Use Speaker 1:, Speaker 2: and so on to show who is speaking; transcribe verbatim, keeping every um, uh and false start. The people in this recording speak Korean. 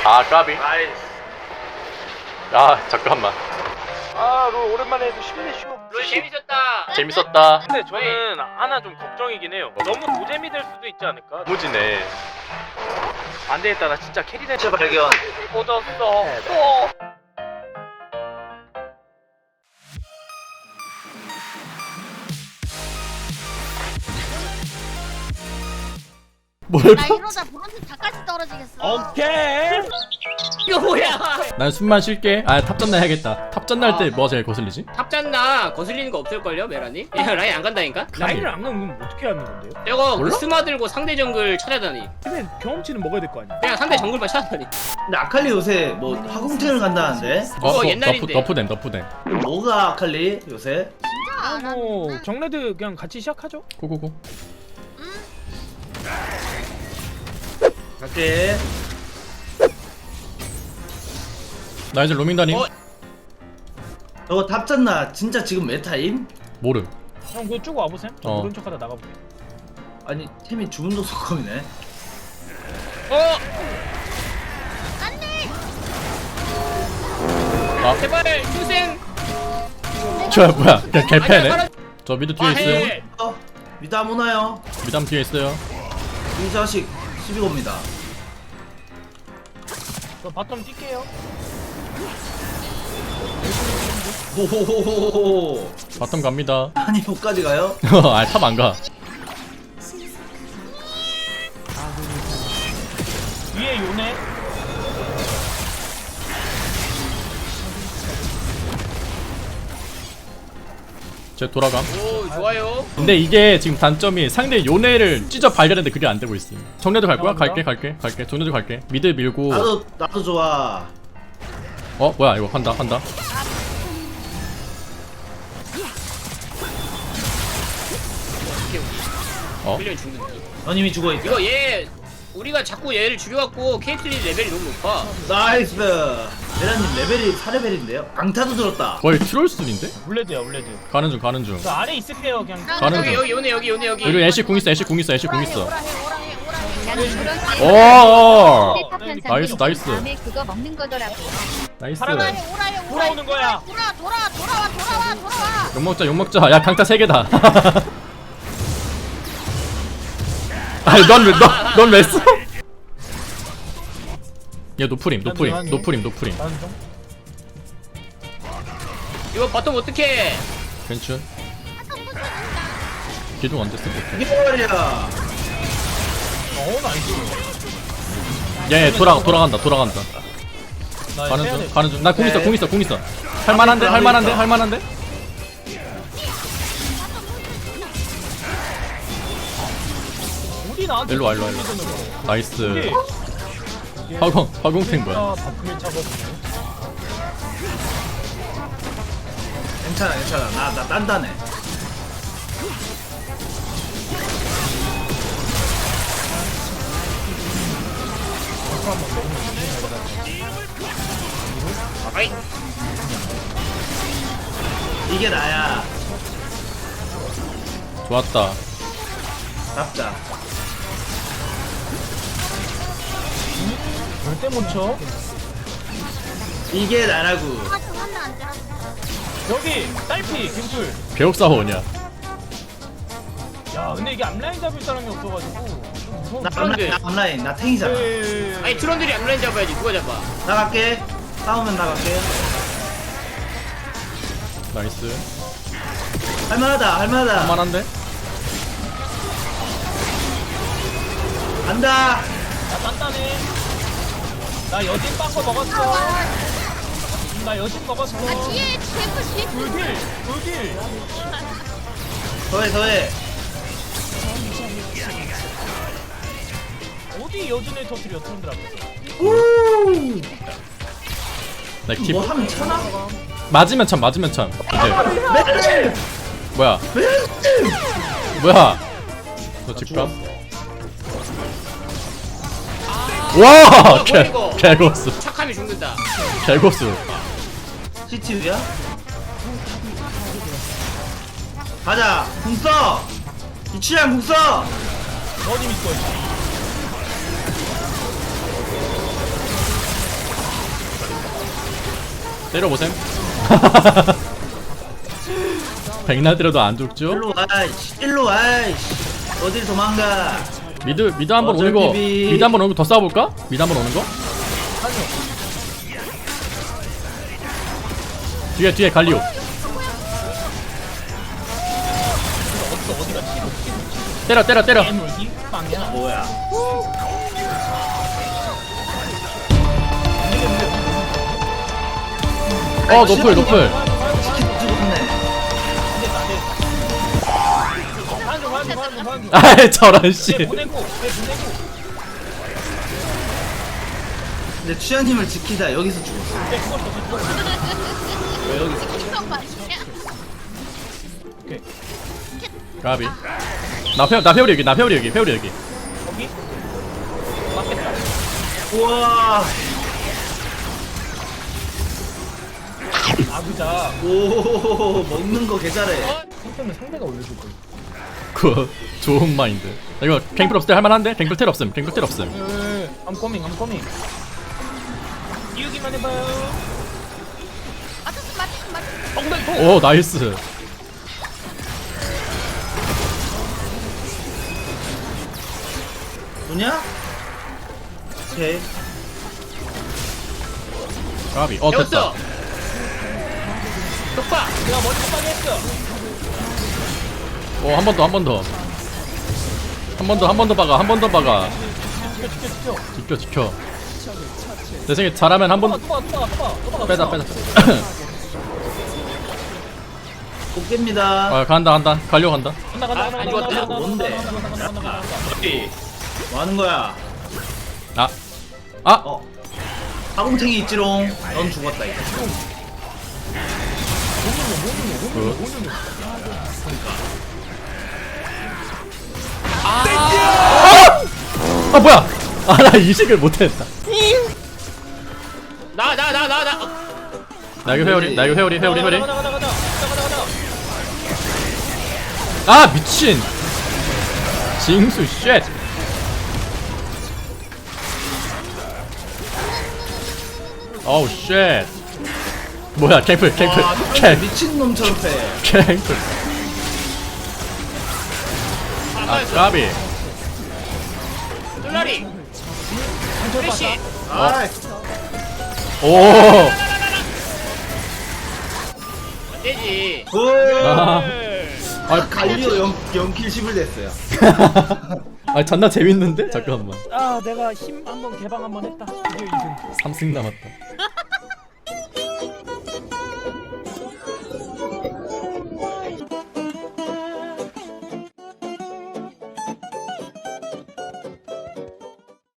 Speaker 1: 아 까비.
Speaker 2: 나이스.
Speaker 1: 아 잠깐만.
Speaker 2: 아, 롤 오랜만에 해도 쉽네 쉬워.
Speaker 3: 롤 재밌었다.
Speaker 1: 재밌었다.
Speaker 2: 근데 저는 하나 좀 걱정이긴 해요. 너무 노잼이 될 수도 있지 않을까?
Speaker 1: 무지네.
Speaker 2: 안 되겠다. 나 진짜 캐리된
Speaker 4: 제 발견.
Speaker 2: 꽂았어. 또.
Speaker 1: 뭘?
Speaker 5: 나 이러다 브론즈 다까지 떨어지겠어.
Speaker 2: 오케이.
Speaker 3: 이거 뭐야?
Speaker 1: 난 숨만 쉴게. 아 탑전날 해야겠다. 탑전날 때 뭐가 제일 거슬리지?
Speaker 3: 탑잔나 거슬리는 거 없을걸요 메라니? 야 라인 안 간다니까?
Speaker 2: 라인을 안 가면 그럼 어떻게 하는 건데요?
Speaker 3: 저거
Speaker 1: 몰라?
Speaker 3: 그 스마 들고 상대 정글 찾아다니.
Speaker 2: 근데 경험치는 먹어야 될 거 아니야?
Speaker 3: 그냥 상대 정글만 찾아다니.
Speaker 4: 근데 아칼리 요새 뭐 하공템을 간다는데?
Speaker 1: 어,
Speaker 3: 그거
Speaker 1: 어,
Speaker 3: 옛날인데.
Speaker 1: 너프 너프댐 너프댐.
Speaker 4: 뭐가 아칼리 요새?
Speaker 5: 진짜 안
Speaker 2: 뭐
Speaker 5: 하는데.
Speaker 2: 경레드 그냥 같이 시작하죠.
Speaker 1: 고고고.
Speaker 4: 갈게.
Speaker 1: 나 이제 로밍 다님.
Speaker 3: 어?
Speaker 4: 저거 탑잖나 진짜 지금 메타임?
Speaker 1: 모름.
Speaker 2: 형 그거 쭉 와보셈. 저
Speaker 1: 어.
Speaker 2: 오른쪽 하다 나가볼게.
Speaker 4: 아니 템이 주문도 소금이네.
Speaker 3: 어
Speaker 5: 안돼.
Speaker 1: 아
Speaker 3: 제발 휴생.
Speaker 1: 저야 뭐야? 그냥
Speaker 3: 아니야,
Speaker 1: 개패네.
Speaker 3: 바로-
Speaker 1: 저 미드 뒤에
Speaker 3: 아,
Speaker 1: 있어요.
Speaker 3: 해.
Speaker 4: 어? 미담 오나요?
Speaker 1: 미담 뒤에 있어요.
Speaker 4: 이 자식 시비 겁니다.
Speaker 2: 저 바텀 뛸게요.
Speaker 4: 호호호호호.
Speaker 1: 바텀 갑니다.
Speaker 4: 아니 뭐까지 가요?
Speaker 1: 아탑 안 가.
Speaker 2: 위에 요네.
Speaker 1: 제 돌아감.
Speaker 3: 오 좋아요.
Speaker 1: 근데 이게 지금 단점이 상대 요네를 찢어 발견했는데 그게 안 되고 있어. 정례도 갈 거야? 갈게 갈게 갈게. 정례도 갈게. 미드 밀고.
Speaker 4: 나도 나도 좋아.
Speaker 1: 어 뭐야 이거 한다 한다. 어?
Speaker 3: 밀려 죽는다.
Speaker 4: 넌 이미 죽어 있다.
Speaker 3: 이거 얘 우리가 자꾸 얘를 죽여갖고 케이틀린 레벨이 너무 높아.
Speaker 4: 나이스. 메라님 레벨이 사 레벨인데요. 강타도 들었다.
Speaker 1: 거의 트롤순인데?
Speaker 2: 울레드야 울레드.
Speaker 1: 가는 중 가는 중.
Speaker 2: 저 아래 있을게요 그냥.
Speaker 1: 가는
Speaker 3: 여기
Speaker 1: 중.
Speaker 3: 여기 요네 여기 요네 여기.
Speaker 1: 그리고 애쉬 궁 있어 애쉬 궁 있어 애쉬 궁 있어.
Speaker 5: 오라해 오라해 오라해.
Speaker 1: 오
Speaker 5: 네,
Speaker 1: 나이스 나이스
Speaker 6: 다음에 그거 먹는 거더라고.
Speaker 1: 나이스.
Speaker 2: 살아나요.
Speaker 5: 오라해 오라해
Speaker 2: 돌아오는 거야.
Speaker 5: 돌아 돌아 돌아와 돌아와 돌아와.
Speaker 1: 욕 먹자 욕 먹자. 야 강타 세 개다. 아니 넌넌넌 왜 써? 얘 노프림 노프림 노프림 노프림.
Speaker 2: 다른 중.
Speaker 3: 이거 바텀 어떡해?
Speaker 1: 괜춘. 기둥 언제 쓸 못해.
Speaker 4: 이게 말이야.
Speaker 2: 어 나이스.
Speaker 1: 얘 돌아 돌아간다 돌아간다.
Speaker 2: 나
Speaker 1: 가는
Speaker 2: 해야
Speaker 1: 중
Speaker 2: 돼.
Speaker 1: 가는 중. 나 궁 있어
Speaker 4: 네.
Speaker 1: 궁 있어 궁 있어. 할만한데 할만한데 할만한데.
Speaker 2: 우리 나한테
Speaker 1: 일로 와, 일로 와, 일로 와.
Speaker 2: 믿음으로.
Speaker 1: 나이스.
Speaker 2: 우리
Speaker 1: 화공 화공탱 뭐야?
Speaker 2: 바꾸면 차거든요.
Speaker 4: 괜찮아 괜찮아. 나 나 단단해.
Speaker 3: 아이
Speaker 4: 이게 나야.
Speaker 1: 좋았다.
Speaker 4: 잡자.
Speaker 2: 절대 못 쳐.
Speaker 4: 이게 나라고.
Speaker 5: 하트 하나 안 돼.
Speaker 2: 여기 딸피 김술.
Speaker 1: 배옥사호냐?
Speaker 2: 야 근데 이게 앞라인 잡을 사람이 없어가지고 좀 무서워.
Speaker 4: 나
Speaker 3: 그런데.
Speaker 4: 앞라인, 나 앞라인, 나 탱이잖아.
Speaker 2: 예.
Speaker 3: 아니 트론들이 앞라인 잡아야지 누가 잡아?
Speaker 4: 나갈게. 싸우면 나갈게.
Speaker 1: 나이스.
Speaker 4: 할만하다, 할만하다.
Speaker 1: 할만한데?
Speaker 4: 간다.
Speaker 2: 나 단단해. 나 여진 빵거 먹었어. 나 여진 먹었어.
Speaker 5: 아 뒤에 개꿀 뒤에 개꿀.
Speaker 2: 불길 불길.
Speaker 4: 더해, 더해.
Speaker 2: 어디 여진을 터뜨려 트론들 앞에서.
Speaker 4: 우.
Speaker 1: 나 킵.
Speaker 4: 뭐 하면 차나?
Speaker 1: 맞으면 참 맞으면 참. 이제
Speaker 4: 메라님,
Speaker 1: 뭐야?
Speaker 4: 메라님.
Speaker 1: 뭐야? 너 집감? 와!
Speaker 3: 어,
Speaker 1: 개
Speaker 3: 이거?
Speaker 1: 개고수
Speaker 3: 착함이 죽는다.
Speaker 1: 개고수.
Speaker 4: 시티우야? 가자. 궁 써. 이치양 궁 써.
Speaker 2: 너님 있어.
Speaker 1: 때려보셈. 백날 때려도 안 죽죠?
Speaker 4: 일로 와 이씨 일로 와 이씨 어딜 도망가.
Speaker 1: 미드 미드 한번
Speaker 4: 어쩔
Speaker 1: 오는 거
Speaker 4: 티비.
Speaker 1: 미드 한번 오는 거 더 싸워볼까? 미드 한번 오는 거? 뒤에 뒤에 갈리오. 때려 때려 때려.
Speaker 2: 애물기 빵이야.
Speaker 4: 뭐야
Speaker 1: 어 노플 노플.
Speaker 4: 치킨 죽었네.
Speaker 2: 한중 한중 한중 한중.
Speaker 1: 아이 저런 씨.
Speaker 2: 얘 보내고 얘 보내고.
Speaker 4: 근데 취향님을 지키다 여기서 죽었어.
Speaker 2: 얘 죽었어 죽었어.
Speaker 4: 왜 여기서?
Speaker 5: 이성 맞냐?
Speaker 2: 오케이.
Speaker 1: 가비. 나 페, 나 페어리 여기, 나 페어리 여기, 페어리 여기.
Speaker 2: 거기. 맞겠다.
Speaker 4: 우와.
Speaker 2: 아그자.
Speaker 4: 오 먹는 거 개잘해.
Speaker 2: 상태는 상대가 올려줄 거야.
Speaker 1: 그 좋은 마인드. 나 이거 갱플 없을 때 할만한데? 갱플 텔 없음, 갱플 텔 없음.
Speaker 2: 예, I'm coming, I'm coming. 띄우기만 해봐요.
Speaker 5: 맞췄어 맞췄어 맞췄어.
Speaker 2: 엉덩이 통.
Speaker 1: 오 나이스.
Speaker 4: 뭐냐? 오케이.
Speaker 1: 가비. 어 됐다.
Speaker 3: 배웠어. 독박.
Speaker 2: 내가 머리 깜빡이 했어.
Speaker 1: 어 한 번 더, 한 번 더. 한 번 더, 한 번 더 박아, 한 번 더 박아.
Speaker 2: 지켜, 지켜, 지켜.
Speaker 1: 지켜, 지켜. 내 생에 잘하면 한 번
Speaker 2: 또봐, 또봐, 또봐, 또봐.
Speaker 1: 빼다, 빼다.
Speaker 4: 꽃게입니다.
Speaker 1: 아 간다, 간다. 갈려 간다.
Speaker 2: 간다, 간다, 간다,
Speaker 3: 아니,
Speaker 2: 간다,
Speaker 3: 이거
Speaker 2: 간다, 간다,
Speaker 4: 뭔데?
Speaker 2: 간다, 간다, 간다, 간다, 간다.
Speaker 4: 어이. 뭐 하는 거야?
Speaker 1: 아, 아,
Speaker 4: 어. 사공탱이 있지롱. 넌 죽었다 이제.
Speaker 1: 그. 아 뭐야? 아 나 이식을 못했다.
Speaker 3: 나 나 나 나 나.
Speaker 1: 나 이거 회오리, 나 이거 회오리, 회오리, 회오리.
Speaker 2: 가자, 가자, 가자, 가자, 가자, 가자.
Speaker 1: 아 미친. 징수 쉣. 어우 쉣. 뭐야 갱플 갱플
Speaker 4: 와,
Speaker 1: 갱
Speaker 4: 미친놈처럼 패.
Speaker 1: 갱플. 아 까비.
Speaker 3: 쫄라리. 프레시.
Speaker 4: 아,
Speaker 1: 오.
Speaker 3: 안 되지.
Speaker 4: 오.
Speaker 1: 아. 아,
Speaker 4: 갈리오 영, 영킬 십을 됐어요.
Speaker 1: 아 존나 재밌는데? 잠깐만.
Speaker 2: 아, 내가 힘 한번 개방 한번 했다. 이게 이승.
Speaker 1: 삼승 남았다.